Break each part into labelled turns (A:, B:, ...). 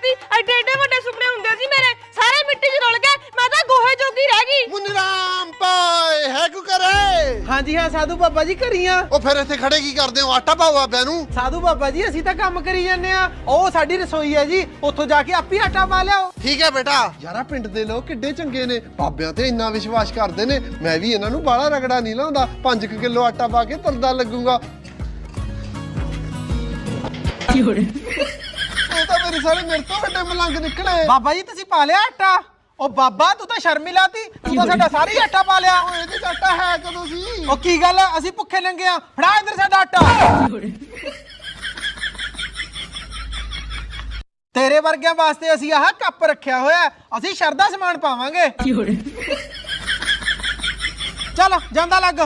A: ਦੀ ਐਡੇ ਐਡੇ ਵੱਡੇ ਸੁਪਨੇ ਹੁੰਦੇ ਸੀ ਮੇਰੇ ਸਾਰੇ ਮਿੱਟੀ 'ਚ ਰੁਲ ਗਏ ਮੈਂ ਤਾਂ ਗੋਹੇ ਜੋਗੀ ਰਹਿ ਗਈ
B: ਮੁਨਰਾਮ ਪਾਏ ਹੈ ਕੋ ਕਰੇ
C: ਹਾਂਜੀ ਹਾਂ ਸਾਧੂ ਬਾਬਾ ਜੀ ਘਰੀਆਂ
B: ਉਹ ਫਿਰ ਇੱਥੇ ਖੜੇ ਕੀ ਕਰਦੇ ਹੋ ਆਟਾ ਪਾਓ ਬਾਬਿਆਂ ਨੂੰ
C: ਸਾਧੂ ਬਾਬਾ ਜੀ ਅਸੀਂ ਤਾਂ ਕੰਮ ਕਰੀ ਜਾਂਦੇ ਆ ਉਹ ਸਾਡੀ ਰਸੋਈ ਹੈ ਜੀ ਉੱਥੋਂ ਜਾ ਕੇ ਆਪੇ ਆਟਾ ਪਾ ਲਿਆਓ
B: ਠੀਕ ਹੈ ਬੇਟਾ ਯਾਰਾ ਪਿੰਡ ਦੇ ਲੋਕ ਕਿੱਡੇ ਚੰਗੇ ਨੇ ਬਾਬਿਆਂ ਤੇ ਇੰਨਾ ਵਿਸ਼ਵਾਸ ਕਰਦੇ ਨੇ ਮੈਂ ਵੀ ਇਹਨਾਂ ਨੂੰ ਬਾਹਲਾ ਰਗੜਾ ਨਹੀਂ ਲਾਉਂਦਾ 5 ਕਿਲੋ ਆਟਾ ਪਾ ਕੇ ਤਰਦਾ ਲੱਗੂਗਾ ਉਹ ਤਾਂ ਮੇਰੇ ਸਾਰੇ ਮੇਰੇ ਤੋਂ ਵੱਡੇ ਮਲੰਗ ਨਿਕਲੇ
C: ਬਾਬਾ ਜੀ ਤੁਸੀਂ ਪਾ ਲਿਆ ਆਟਾ ਉਹ ਬਾਬਾ ਤੂੰ ਤਾਂ ਸ਼ਰਮ ਹੀ ਲਾਤੀ ਤੂੰ ਤਾਂ ਸਾਡਾ ਸਾਰੀ ਆਟਾ ਪਾ ਲਿਆ
B: ਓਏ ਇਹਦੇ ਚ ਆਟਾ ਹੈ ਕਦੋਂ ਸੀ
C: ਉਹ ਕੀ ਗੱਲ ਅਸੀਂ ਭੁੱਖੇ ਲੰਗੇ ਆ ਫੜਾ ਇੱਧਰ ਸਾਡਾ ਆਟਾ ਤੇਰੇ ਵਰਗਿਆਂ ਵਾਸਤੇ ਅਸੀਂ ਆਹ ਕੱਪ ਰੱਖਿਆ ਹੋਇਆ ਅਸੀਂ ਸ਼ਰਦਾ ਸਮਾਨ ਪਾਵਾਂਗੇ ਚੱਲ ਜਾਂਦਾ ਲੱਗ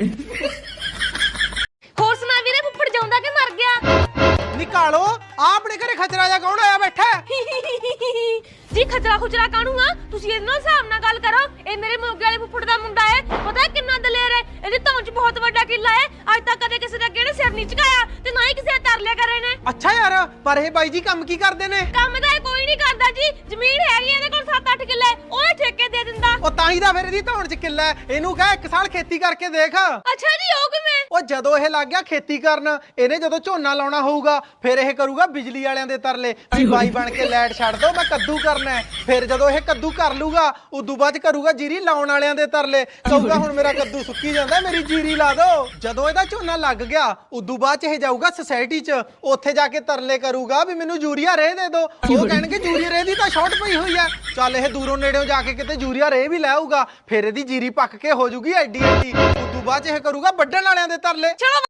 A: ਹੋਰ ਸੁਣਾ ਵੀਰੇ ਫੁੱਫੜ ਜਾਉਂਦਾ ਕਿ ਮਰ ਗਿਆ
C: ਨਿਕਾਲੋ ਆ ਆਪਣੇ ਘਰੇ ਖਚਰਾ ਜਾ ਕੌਣ ਆਇਆ ਬੈਠਾ
A: ਜੀ ਖਚਰਾ ਖੁਚਰਾ ਕਾਹਨੂੰ ਆ ਤੁਸੀਂ ਇਹਦੇ ਨਾਲ ਹਿਸਾਬ ਨਾਲ ਗੱਲ ਕਰੋ ਇਹ ਮੇਰੇ ਮੋਗੇ ਵਾਲੇ ਫੁੱਫੜ ਦਾ ਮੁੰਡਾ ਹੈ ਪਤਾ ਹੈ ਕਿੰਨਾ ਦਲੇਰ ਹੈ ਇਹਦੀ ਧੌਣ 'ਚ ਬਹੁਤ ਵੱਡਾ ਕਿੱਲਾ ਹੈ ਅੱਜ ਤੱਕ ਕਦੇ ਕਿਸੇ ਦਾ ਕਿਹੜੇ ਸਿਰ ਨਹੀਂ ਝੁਕਾਇਆ ਤੇ ਨਾ ਹੀ ਕਿਸੇ ਦਾ ਤਰ ਲਿਆ ਕਰੇ ਨੇ
C: ਅੱਛਾ ਯਾਰ ਪਰ ਇਹ ਬਾਈ ਜੀ ਕੰਮ ਕੀ ਕਰਦੇ ਨੇ
A: ਕੰਮ ਤਾਂ ਇਹ ਕੋਈ ਨਹੀਂ ਕਰਦਾ ਜੀ ਜ਼ਮੀਨ ਹੈਗੀ ਇਹਦੇ ਕੋਲ 7-8 ਕਿੱਲੇ ਉਹ ਠੇਕੇ ਦੇ ਦਿੰਦਾ
C: ਉਹ ਤਾਂ ਹੀ ਤਾਂ ਫਿਰ ਇਹਦੀ ਧੌਣ 'ਚ ਕਿੱਲਾ ਹੈ ਇਹਨੂੰ ਕਹਿ ਇੱਕ ਸਾਲ ਖੇਤੀ ਕਰਕੇ ਦੇਖ
A: ਅੱਛਾ ਜੀ ਉਹ ਕਿਵੇਂ
C: ਉਹ ਜਦੋਂ ਇਹ ਲੱਗ ਗਿਆ ਖੇਤੀ ਕਰਨ ਇਹਨੇ ਜਦੋਂ ਝੋਨਾ ਲਾਉਣਾ ਹੋਊਗਾ ਫਿਰ ਇਹ ਕਰੂਗਾ ਬਿਜਲੀ ਵਾਲਿਆਂ ਦੇ ਤਰਲੇ ਵੀ ਬਾਈ ਬਣ ਕੇ ਲਾਈਟ ਛੱਡ ਦੋ ਮੈਂ ਕੱਦੂ ਕਰਨਾ ਹੈ ਫਿਰ ਜਦੋਂ ਇਹ ਕੱਦੂ ਕਰ ਲੂਗਾ ਉਦੋਂ ਬਾਅਦ ਕਰੂਗਾ ਜੀਰੀ ਲਾਉਣ ਵਾਲਿਆਂ ਦੇ ਤਰਲੇ ਕਹੂਗਾ ਹੁਣ ਮੇਰਾ ਕੱਦੂ ਸੁੱਕੀ ਜਾਂਦਾ ਮੇਰੀ ਜੀਰੀ ਲਾ ਦਿਓ ਜਦੋਂ ਇਹਦਾ ਝੋਨਾ ਲੱਗ ਗਿਆ ਉਦੋਂ ਬਾਅਦ ਚ ਇਹ ਜਾਊਗਾ ਸੁਸਾਇਟੀ 'ਚ ਉੱਥੇ ਜਾ ਕੇ ਤਰਲੇ ਕਰੂਗਾ ਵੀ ਮੈਨੂੰ ਯੂਰੀਆ ਰੇਹ ਦੇ ਦਿਓ ਉਹ ਕਹਿਣਗੇ ਯੂਰੀਆ ਰੇਹ ਦੀ ਤਾਂ ਸ਼ਾਰਟ ਪਈ ਹੋਈ ਆ ਚੱਲ ਇਹ ਦੂਰੋਂ ਨੇੜਿਓਂ ਜਾ ਕੇ ਕਿਤੇ ਯੂਰੀਆ ਰੇਹ ਵੀ ਲੈ ਆਊਗਾ ਫਿਰ ਇਹਦੀ ਜੀਰੀ ਪੱਕ ਕੇ ਹੋ ਜੂਗੀ ਐਡੀ ਐਡੀ ਉਦੋਂ ਬਾਅਦ ਚ ਇਹ ਕਰੂਗਾ ਵੱਢਣ ਵਾਲਿਆਂ ਦੇ ਤਰਲੇ
A: ਚਲੋ